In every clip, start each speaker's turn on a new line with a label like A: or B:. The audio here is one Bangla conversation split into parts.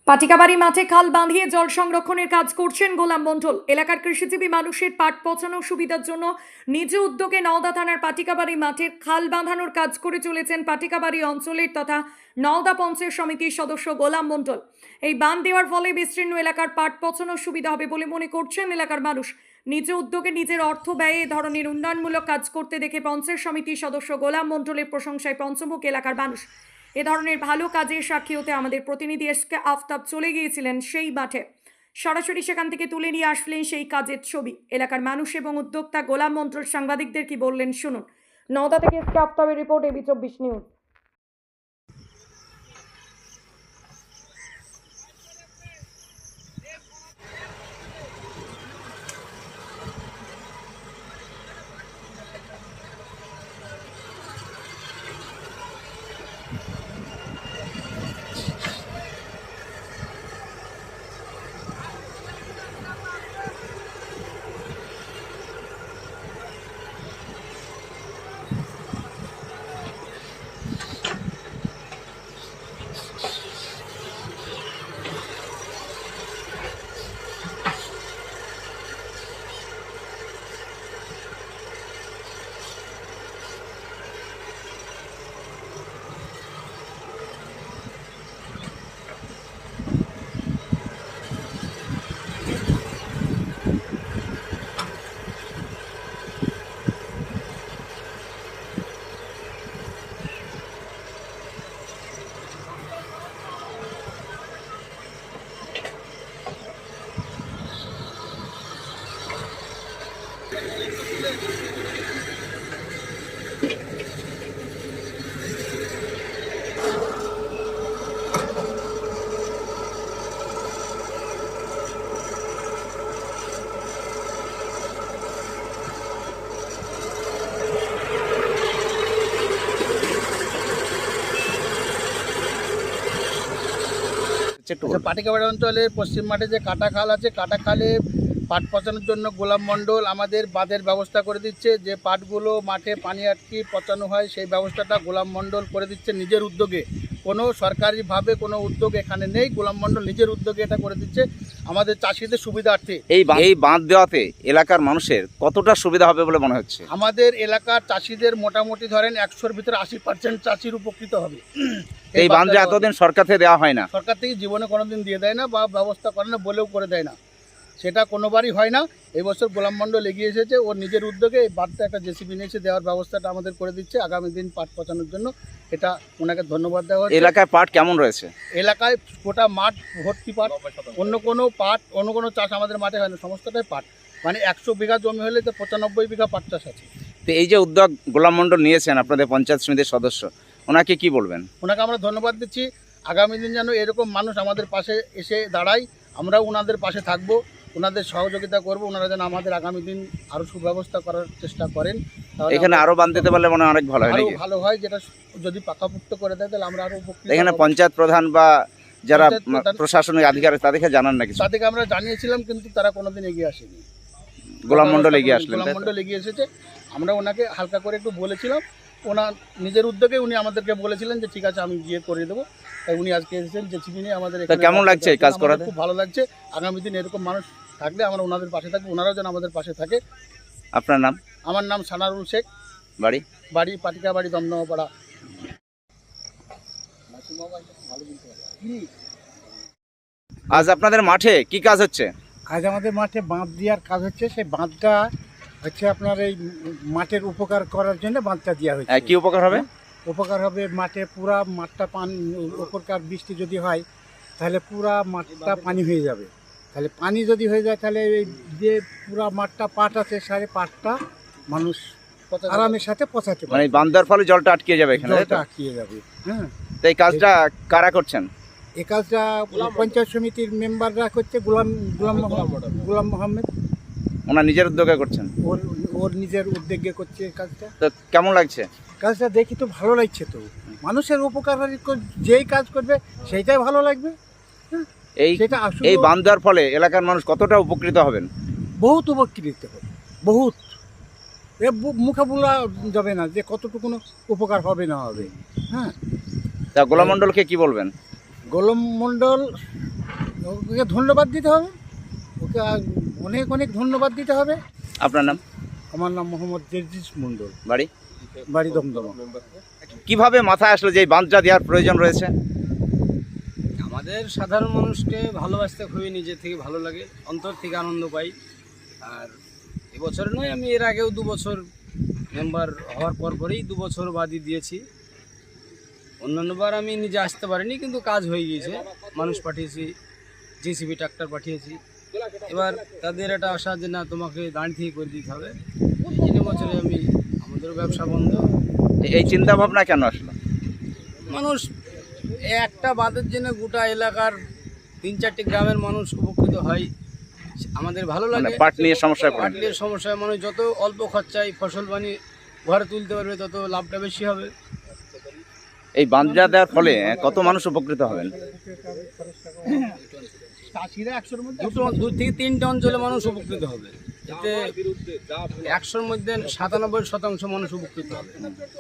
A: পাটিকাবাড়ি মাঠে খাল বাঁধিয়ে জল সংরক্ষণের কাজ করছেন গোলাম মণ্ডল। এলাকার কৃষিজীবী মানুষের পাট পচানোর সুবিধার জন্য নিজ উদ্যোগে নওদা থানার পাটিকাবাড়ি মাঠের খাল বাঁধানোর কাজ করে চলেছেন পাটিকাবাড়ি অঞ্চলের তথা নওদা পঞ্চায়েত সমিতির সদস্য গোলাম মণ্ডল। এই বাঁধ দেওয়ার ফলে বিস্তীর্ণ এলাকার পাট পচানোর সুবিধা হবে বলে মনে করছেন এলাকার মানুষ। নিজ উদ্যোগে নিজের অর্থ ব্যয়ে এ ধরনের উন্নয়নমূলক কাজ করতে দেখে পঞ্চায়েত সমিতির সদস্য গোলাম মণ্ডলের প্রশংসায় পঞ্চমুখ এলাকার মানুষ। এ ধরনের ভালো কাজের সাক্ষী হতে আমাদের প্রতিনিধি এসকে আফতাব চলে গিয়েছিলেন সেই মাঠে। সরাসরি সেখান থেকে তুলে নিয়ে আসলেন সেই কাজের ছবি। এলাকার মানুষ এবং উদ্যোক্তা গোলাম মণ্ডল সাংবাদিকদের কি বললেন শুনুন। নওদা থেকে এসকে আফতাবের রিপোর্ট, এবি 24 নিউজ।
B: পাটিকাবাড়ি অঞ্চলের পশ্চিম মাঠে যে কাটা খাল আছে, কাটা খালে পাট পচানোর জন্য গোলাম মণ্ডল আমাদের বাঁধের ব্যবস্থা করে দিচ্ছে। যে পাটগুলো মাঠে পানি আটকে পচানো হয় সেই ব্যবস্থাটা গোলাম মণ্ডল করে দিচ্ছে নিজের উদ্যোগে। কোনো সরকারিভাবে কোনো উদ্যোগ এখানে নেই, গোলাম মণ্ডল নিজের উদ্যোগে এটা করে দিচ্ছে আমাদের চাষিদের সুবিধার্থে।
C: এই বাঁধ দেওয়াতে এলাকার মানুষের কতটা সুবিধা হবে বলে মনে হচ্ছে?
B: আমাদের এলাকার চাষিদের মোটামুটি ধরেন 100-র ভিতরে 80% চাষির উপকৃত হবে।
C: এই বাঁধ যে এতদিন সরকার থেকে দেওয়া হয় না,
B: সরকার থেকে জীবনে কোনোদিন দিয়ে দেয় না বা ব্যবস্থা করে না বলেও করে দেয় না, সেটা কোনোবারই হয় না। এই বছর গোলাম মণ্ডল এগিয়ে এসেছে, ওর নিজের উদ্যোগে এই বাঁধটা একটা জেসিবি নিয়ে এসে দেওয়ার ব্যবস্থাটা আমাদের করে দিচ্ছে আগামী দিন পাট পচানোর জন্য। এটা ওনাকে ধন্যবাদ দেওয়া হচ্ছে।
C: এলাকায় পাট কেমন রয়েছে?
B: এলাকায় গোটা মাঠ ভর্তি পাট, অন্য কোনো চাষ আমাদের মাঠে হয় না, সমস্তটাই পাট। মানে 100 বিঘা জমি হলে তো 95 বিঘা পাট চাষ আছে।
C: তো এই যে উদ্যোগ গোলাম মণ্ডল নিয়েছেন আপনাদের পঞ্চায়েত সমিতির সদস্য, ওনাকে কি বলবেন?
B: ওনাকে আমরা ধন্যবাদ দিচ্ছি। আগামী দিন যেন এরকম মানুষ আমাদের পাশে এসে দাঁড়ায়, আমরাও ওনাদের পাশে থাকবো, ওনাদের সহযোগিতা করব। ওনারা যেন আমাদের আগামী দিন আরও সুব্যবস্থা করার চেষ্টা করেন।
C: এখানে আরো বাঁধ দিতে পারলে মনে হয় অনেক ভালো হয়।
B: আরো ভালো হয়, যেটা যদি পাকাপোক্ত করে দেয় তাহলে আমরা আরো উপকৃত।
C: এখানে পঞ্চায়েত প্রধান বা যারা প্রশাসনিক আধিকারিক তাদেরকে জানান নাকি?
B: তাদেরকে আমরা জানিয়েছিলাম কিন্তু তারা কোনোদিন এগিয়ে আসেনি।
C: গোলাম মণ্ডল এগিয়ে আসলেন?
B: গোলাম মণ্ডল এগিয়ে এসেছে। আমরা ওনাকে হালকা করে একটু বলেছিলাম, ওনার নিজের উদ্যোগে উনি আমাদেরকে বলেছিলেন যে ঠিক আছে আমি গিয়ে করে দেবো। তাই উনি আজকে এসেছেন জেসিবি নিয়ে আমাদের।
C: কেমন লাগছে এই কাজ করাতে?
B: খুব ভালো লাগছে। আগামী দিন এরকম মানুষ থাকলে আমরা ওনাদের পাশে থাকবো, ওনারাও যেন আমাদের পাশে থাকে।
C: আপনার নাম?
B: আমার নাম সানারুল শেখ। বাড়ি পাটিকাবাড়ি, দমদমাপাড়া।
C: আজ আপনাদের মাঠে কি কাজ হচ্ছে?
D: আজ আমাদের মাঠে বাঁধ দেওয়ার কাজ হচ্ছে। সেই বাঁধটা হচ্ছে আপনার এই মাঠের উপকার করার জন্য বাঁধটা দেওয়া হয়েছে।
C: কি উপকার হবে?
D: উপকার হবে মাঠে পুরা মাঠটা উপরকার বৃষ্টি যদি হয় তাহলে পুরা মাঠটা পানি হয়ে যাবে। তাহলে পানি যদি হয়ে যায় তাহলে এই যে পুরা মাঠটা পাট আছে সারে পাটটা মানুষ আরামের সাথে পচাতে পারে।
C: মানে বাঁধ দেওয়ার ফলে জলটা আটকে যাবে এখানে?
D: জলটা আটকে যাবে। হ্যাঁ,
C: তো এই কাজটা কারা করছেন?
D: এই কাজটা পঞ্চায়েত সমিতির মেম্বাররা করছে। গোলাম মোহাম্মদ
C: ওনার নিজের উদ্যোগে করছেন?
D: ওর নিজের উদ্যোগে করছে কাজটা।
C: তো কেমন লাগছে
D: কাজটা? দেখি তো ভালো লাগছে। তো মানুষের উপকার যেই কাজ করবে সেইটাই ভালো লাগবে।
C: এই বাঁধ দেওয়ার ফলে এলাকার মানুষ কতটা উপকৃত হবেন?
D: বহুত উপকৃত হবে, বহুত। মুখে বলা যাবে না যে কতটুকু উপকার হবে না হবে। হ্যাঁ,
C: তা গোলাম মণ্ডলকে কি বলবেন?
D: গোলাম মণ্ডল ওকে ধন্যবাদ দিতে হবে, ওকে অনেক অনেক ধন্যবাদ দিতে হবে।
C: আপনার নাম?
D: আমার নাম মোহাম্মদ জেরজিস মণ্ডল,
C: বাড়ি?
D: বাড়ি দমদমা।
C: কিভাবে মাথায় আসলো যে এই বাঁধটা দেওয়ার প্রয়োজন রয়েছে?
E: আমাদের সাধারণ মানুষকে ভালোবাসতে খুবই নিজের থেকে ভালো লাগে, অন্তর থেকে আনন্দ পাই। আর এবছর নয়, আমি এর আগেও 2 বছর মেম্বার হওয়ার পরেই 2 বছর বাদই দিয়েছি। অন্যান্যবার আমি নিজে আসতে পারিনি, কিন্তু কাজ হয়ে গিয়েছে, মানুষ পাঠিয়েছি, জেসিবি ট্রাক্টর পাঠিয়েছি। এবার তাদের একটা আশা যে না, তোমাকে দাঁড়িয়ে থেকে করে দিতে হবে। এই 3 বছরে আমাদের ব্যবসা বন্ধ।
C: এই চিন্তা ভাবনা কেন আসলো?
E: মানুষ একটা বাঁধের জন্য গোটা এলাকার 3-4টি গ্রামের মানুষ উপকৃত হয়, আমাদের ভালো
C: মানে
E: লাগে।
C: পাট নিয়ে সমস্যায় পড়েন?
E: পাটলির সমস্যায় মানুষ যত অল্প খরচায় ফসল বানিয়ে ঘরে তুলতে পারবে, তত লাভটা বেশি হবে।
C: এই বাঁধটা দেওয়ার ফলে কত মানুষ উপকৃত হবেন?
B: চাষিরা 100-র মধ্যে
E: 2 থেকে 3টে অঞ্চলে মানুষ উপকৃত হবে। এতে 100-র মধ্যে 97% মানুষ উপকৃত হবে।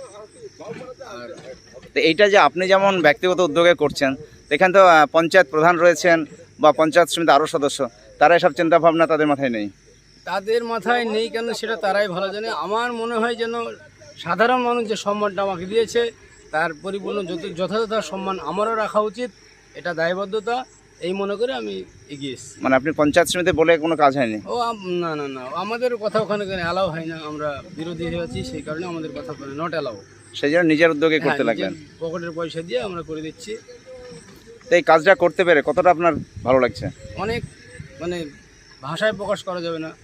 C: তো এইটা যে আপনি যেমন ব্যক্তিগত উদ্যোগে করছেন, এখানে তো পঞ্চায়েত প্রধান রয়েছেন বা পঞ্চায়েত সমিতি আরও সদস্য, তারা এসব চিন্তা ভাবনা তাদের মাথায় নেই?
E: তাদের মাথায় নেই কেন সেটা তারাই ভালো জানে। আমার মনে হয় যেন সাধারণ মানুষ যে সম্মানটা আমাকে দিয়েছে, তার পরিপূর্ণ যথাযথ সম্মান আমারও রাখা উচিত, এটা দায়বদ্ধতা, এই মনে করে আমি এগিয়ে এসেছি।
C: মানে আপনি পঞ্চায়েত সমিতি বলে কোনো কাজ হয়নি?
E: না না না, আমাদের কথা ওখানে অ্যালাউ হয় না, আমরা বিরোধী হয়ে আছি, সেই কারণে আমাদের কথা ওখানে নট অ্যালাউ।
C: সেই জন্য নিজের উদ্যোগে করতে লাগলেন?
E: পকেটের পয়সা দিয়ে আমরা করে দিচ্ছি।
C: তো এই কাজটা করতে পেরে কতটা আপনার ভালো লাগছে?
E: অনেক, ভাষায় প্রকাশ করা যাবে না।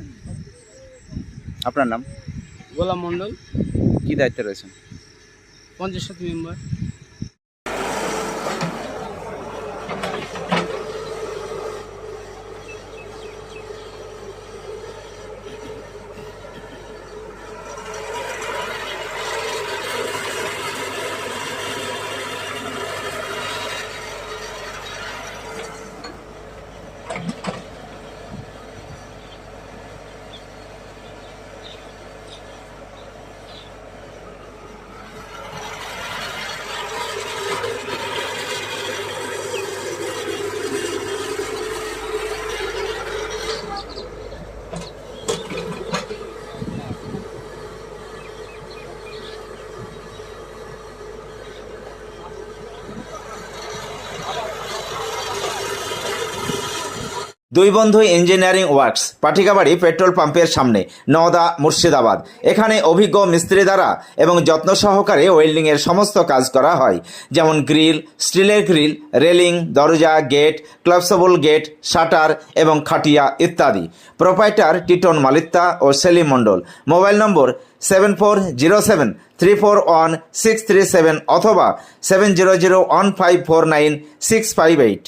C: আপনার নাম?
E: গোলাম মণ্ডল,
C: কি দায়িত্বে রয়েছেন?
E: পঞ্চায়েত সমিতি মেম্বার।
F: দুই বন্ধু ইঞ্জিনিয়ারিং ওয়ার্কস, পাটিকাবাড়ি পেট্রোল পাম্পের সামনে, নওদা, মুর্শিদাবাদ। এখানে অভিজ্ঞ মিস্ত্রি দ্বারা এবং যত্ন সহকারে ওয়েল্ডিংয়ের সমস্ত কাজ করা হয়, যেমন গ্রিল, স্টিলের গ্রিল, রেলিং, দরজা, গেট, ক্লাবসেবল গেট, শাটার এবং খাটিয়া ইত্যাদি। প্রোপাইটার টিটন মালিত্তা ও সেলিম মণ্ডল। মোবাইল নম্বর 7407341637 অথবা 7001549658।